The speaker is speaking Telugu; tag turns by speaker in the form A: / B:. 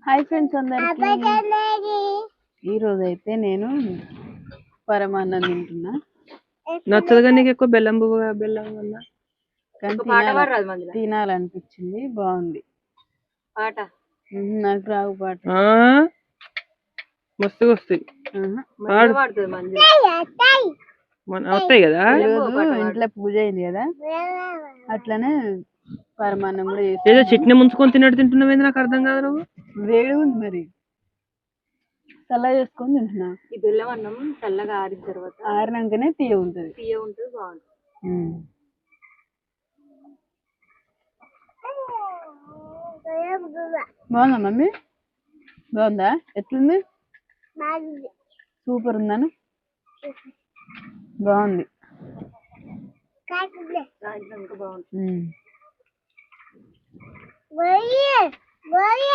A: హాయ్ ఫ్రెండ్స్ అందరికి ఈ రోజు అయితే నేను పరమాన్నం తింటున్నా.
B: నచ్చదుగా నీకు ఎక్కువ బెల్లం బెల్లం వల్ల
A: తినాలనిపించింది. బాగుంది
B: పాట.
A: నాకు రావు పాట.
B: మస్తుగా వస్తాయి వస్తాయి కదా.
A: ఇంట్లో పూజ అయింది కదా, అట్లనే పరమాన్నం కూడా
B: ఏదో చట్నీ ముంచుకొని తిన్నట్టు తింటున్నావు. నాకు అర్థం కాదు. నువ్వు
A: వేడి ఉంది మరి చల్లగా చేసుకొని తింటున్నా.
B: ఈ బెల్లం అన్నం చల్లగా ఆరిన తర్వాత
A: ఆరినాకనే తీయ ఉంటుంది.
B: బాగుంటుంది.
A: బాగుందా మమ్మీ? బాగుందా? ఎట్లుంది? సూపర్ ఉందాను. బాగుంది.
B: బాగుంటుంది.